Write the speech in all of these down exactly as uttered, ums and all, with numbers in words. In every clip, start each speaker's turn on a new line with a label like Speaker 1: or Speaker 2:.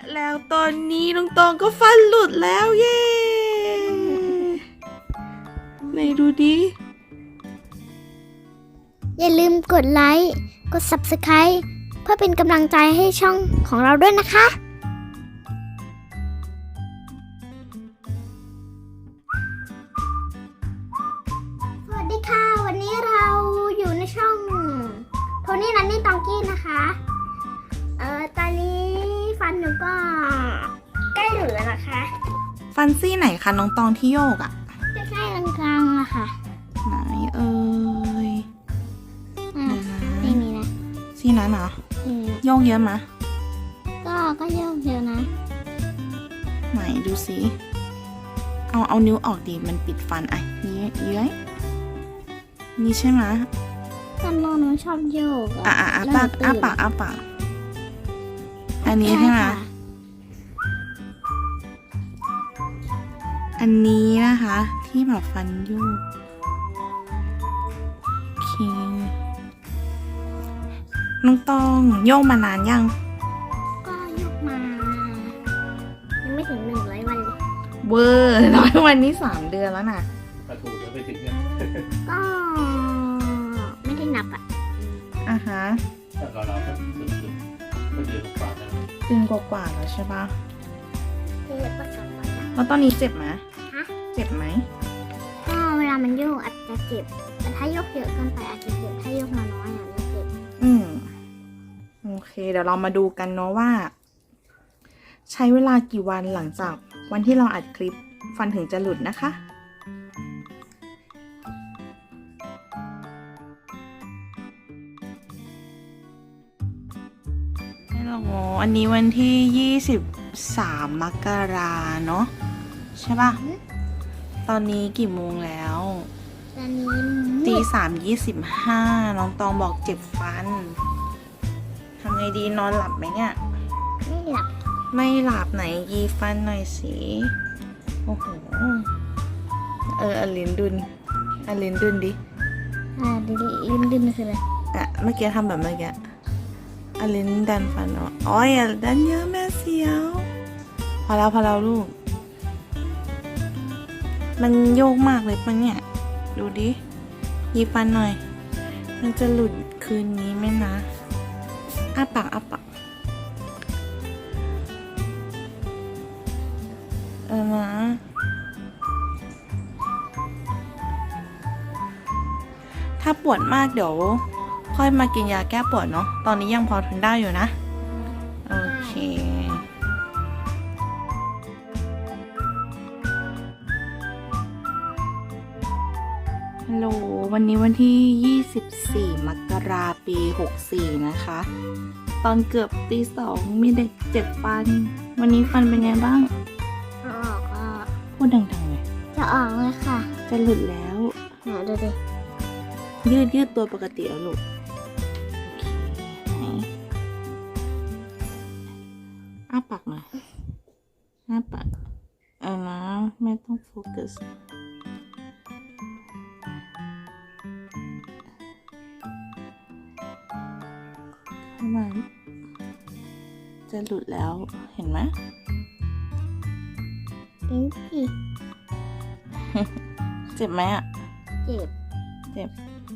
Speaker 1: แล้วตอนนี้น้องตองก็ฟันหลุดแล้วเย้ไหนดูดิ
Speaker 2: อย่าลืมกดไลค์ กด ซับสไครบ์ เพื่อเป็นกำลังใจให้ช่องของเราด้วยนะคะ สวัสดีค่ะ วันนี้เราอยู่ในช่องโทนี่นันนี่ตองกี้นะคะ เอ่อ ตอนนี้ฟันหนูก็ใกล้หลุดแล้วนะคะ
Speaker 1: ฟันซี่ไหนคะน้องตองที่โยกอะ
Speaker 2: ใกล้ๆกลางๆอะค่ะ
Speaker 1: ไหนเอ่ย
Speaker 2: อ่ะ
Speaker 1: เดี๋ยวนะ
Speaker 2: ไม่มีนะ
Speaker 1: ซี่นั้นเหรอ
Speaker 2: อืม
Speaker 1: โยกเยอะมะ
Speaker 2: ก็ก็เยอะเยอะนะ
Speaker 1: ไหนดูสิเอาเอานิ้วออกดิมันปิดฟันอ่ะนี้เย้ยนี่ใช่ไหมะ
Speaker 2: ตอนนอนหนูชอบโยก
Speaker 1: อ่ะอ่ะอ่ะ
Speaker 2: แล้ว
Speaker 1: ปาก
Speaker 2: หนูตื่น
Speaker 1: อ่ะปากอ่ะปากอันนี้ใช่ไหมะ
Speaker 2: ค่ะ
Speaker 1: อันนี้นะคะ ที่แบบฟันโยกโอเคน้องตองโยกมานานยัง
Speaker 2: ก็ยกมา ยังไม่ถึงหนึ่งร้อยวันเลย
Speaker 1: เวอร์น้อยวันนี้สามเดือนแล้วนะ
Speaker 3: กระถูกแล้วไปถึงเนี่ย
Speaker 2: ก็ไม่ได้นับอ่ะ
Speaker 1: อ่ะฮะ
Speaker 3: แต่เราเราก็สุดๆก็เดือนกว่าแล้ว
Speaker 1: เดือนกว่าๆแล้วใช่ปะ
Speaker 2: คือประสบการณ์
Speaker 1: แล้วตอนนี้เจ็บไหม
Speaker 2: ฮะ
Speaker 1: เจ็บไหม
Speaker 2: ก็เวลามันโยกอาจจะเจ็บ แต่ถ้ายกเยอะเกินไปอาจจะเจ็บ ถ้ายกน้อยๆอ่ะไม่เจ็บ
Speaker 1: อืมโอเค เดี๋ยวเรามาดูกันเนาะว่า ใช้เวลากี่วันหลังจากวันที่เราอัดคลิปฟันถึงจะหลุดนะคะฮัลโหลอันนี้วันที่ยี่สิบสามมกราเนาะใช่ปะตอนนี้กี่โมงแล้ว
Speaker 2: ตอนนี้
Speaker 1: ตี
Speaker 2: มืด
Speaker 1: สามยี่สิบห้าน้องตองบอกเจ็บฟันทำไงดีนอนหลับไหมเนี่ย
Speaker 2: ไม่หลับ
Speaker 1: ไม่หลับไหนยีฟันหน่อยสิโอ้โหเอออลินดุนอลินดุนดิ
Speaker 2: อ่าดิดิลิ้นดิ้นคืออะไร
Speaker 1: อ่ะเมื่อกี้ทำแบบเมื่อกี้อลินดันฟันเนาะอ๋ออย่าดันเยอะแม่เสียวพอแล้วพอแล้วลูก มันโยกมากเลยปะเนี่ยดูดิยีฟันหน่อย มันจะหลุดคืนนี้ไหมนะอ้าปากอ้าปากเออนะถ้าปวดมากเดี๋ยวค่อยมากินยาแก้ปวดเนาะตอนนี้ยังพอทนได้อยู่นะโอเคฮัลโหลวันนี้วันที่ยี่สิบสี่มกราคมปีหกสี่นะคะ ตอนเกือบตีสองมีเด็กเจ็บฟัน วันนี้ฟันเป็นไงบ้าง
Speaker 2: เอาออกก็
Speaker 1: พูดดังๆเลย
Speaker 2: จะออกเลยค่ะ
Speaker 1: จะหลุดแล้ว
Speaker 2: หาดูดิ
Speaker 1: ยืดยืดตัวปกติแล้วลูกโอเคไหนอ้าปากหน่อยอ้าปากเออนะไม่ต้องโฟกัสเข้ามาจะหลุดแล้วเห็นไหม
Speaker 2: ลิ้นสิ
Speaker 1: เจ็บไหมอ่ะ
Speaker 2: เจ็บ
Speaker 1: เจ็บ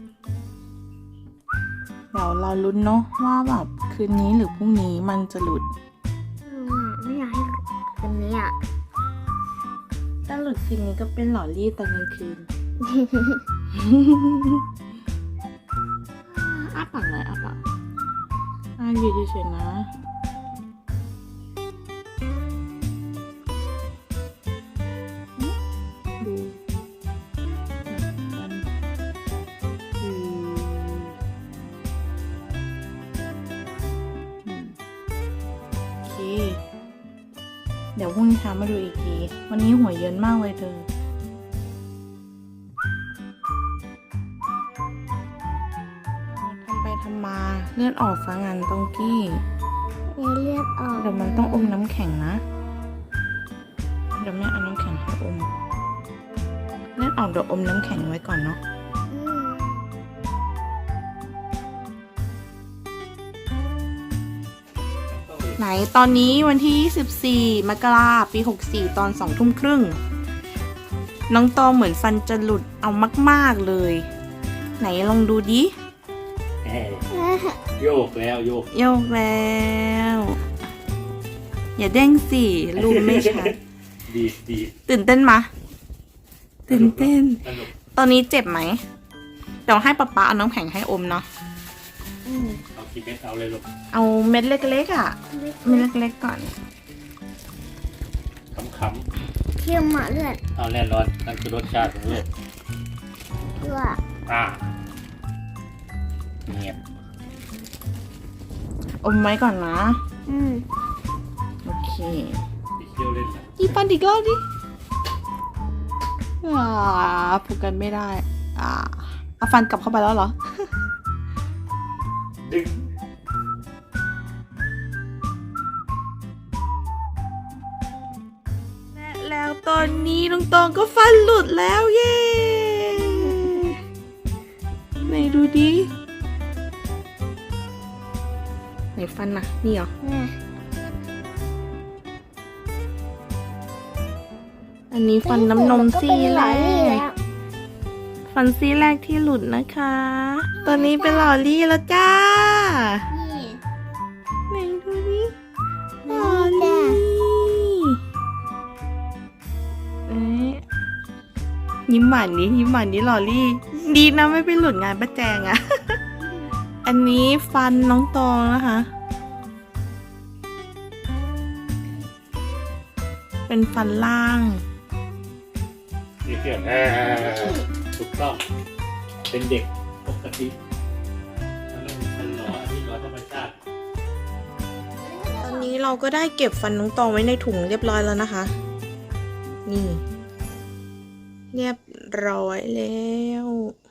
Speaker 1: เดี๋ยวเราลุ้นเนาะว่าแบบคืนนี้หรือพรุ่งนี้มันจะหลุด
Speaker 2: อืมไม่อยากให้คืนนี้อ่ะ
Speaker 1: ถ้าหลุดคืนนี้ก็เป็นหล่อรี่ตอนกลางคืน อ้าปากหน่อยอ้าปากอ่าอยู่เฉยๆนะดูมันอืมอืมโอเค เดี๋ยวพรุ่งนี้เช้ามาดูอีกที วันนี้หัวเยินมากเลยเธอ ทำไปทำมาเลือดออกซะงั้นตองกี้
Speaker 2: มีเลือดออก
Speaker 1: เดี๋ยวมันต้องอมน้ำแข็งนะ เดี๋ยวแม่เอาน้ำแข็งให้อม เลือดออกเดี๋ยวอมน้ำแข็งไว้ก่อนเนาะ
Speaker 2: อืม
Speaker 3: ต้องมี
Speaker 1: ไหนตอนนี้วันที่ยี่สิบสี่มกราปีหกสี่ตอนสองทุ่มครึ่งน้องตองเหมือนฟันจะหลุดเอามากๆเลย ไหนลองดูดิ
Speaker 3: แหม่โยกแล้วโยก
Speaker 1: โยกแล้ว อย่าเด้งสิรูปไม่ชัด
Speaker 3: ดีดดีด
Speaker 1: ตื่นเต้นมะตื่นเต้น
Speaker 3: สนุก
Speaker 1: ตอนนี้เจ็บไหมเดี๋ยวให้ป๊าป๊าเอาน้ำแข็งให้อมเนาะ
Speaker 2: อืม
Speaker 3: เอากี่เม็ดเอาเลยลูก
Speaker 1: เอาเม็ดเล็กๆอ่ะเม็ดเล็กๆก่อน
Speaker 3: ขำ
Speaker 2: เทียมหมาเลือด
Speaker 3: ๆเอาแน่นอนนั่นคือรสชาติของลูก
Speaker 2: ด้วย
Speaker 3: อ่าเงียบ
Speaker 1: อมไว้ก่อนนะ
Speaker 2: อืม
Speaker 1: โอเค
Speaker 3: ไปเที่ยวเล่นนะ
Speaker 1: อีฟันอีกรอบดิอ่าผูกกันไม่ได้ อ่าเอาฟันกลับเข้าไปแล้วเหรอ
Speaker 3: ดึง
Speaker 1: และแล้วตอนนี้น้องตองก็ฟันหลุดแล้วเย้ไหนดูดิไหนฟันน่ะนี่เหรอ
Speaker 2: เนี่ย
Speaker 1: อันนี้ฟันน้ำนมซี่แร
Speaker 2: ก็เป็นหลาย
Speaker 1: ก
Speaker 2: นี่แล้ว
Speaker 1: ฟันซี่แรกที่หลุดนะคะ ตอนนี้เป็นหล่อลี่แล้วจ้า
Speaker 2: นี่
Speaker 1: ไหนดูดิห
Speaker 2: นี่
Speaker 1: ล่อ
Speaker 2: จ้ะ
Speaker 1: ลี่เอ๊ะยิ้มหวานนี้ยิ้มหวานนี้หล่อลี่ ดีนะไม่ไปหลุดงานป้าแจงอะ อันนี้ฟันน้องตองนะคะ เป็นฟันล่าง
Speaker 3: นี่เพื่อนแหม่ถูกต้องเป็นเด็กปกติมันต้องมันหล่ออันนี้หล่อธรรมชาติ
Speaker 1: ตอนนี้เราก็ได้เก็บฟันน้องตองไว้ในถุงเรียบร้อยแล้วนะคะ นี่ เรียบร้อยแล้ว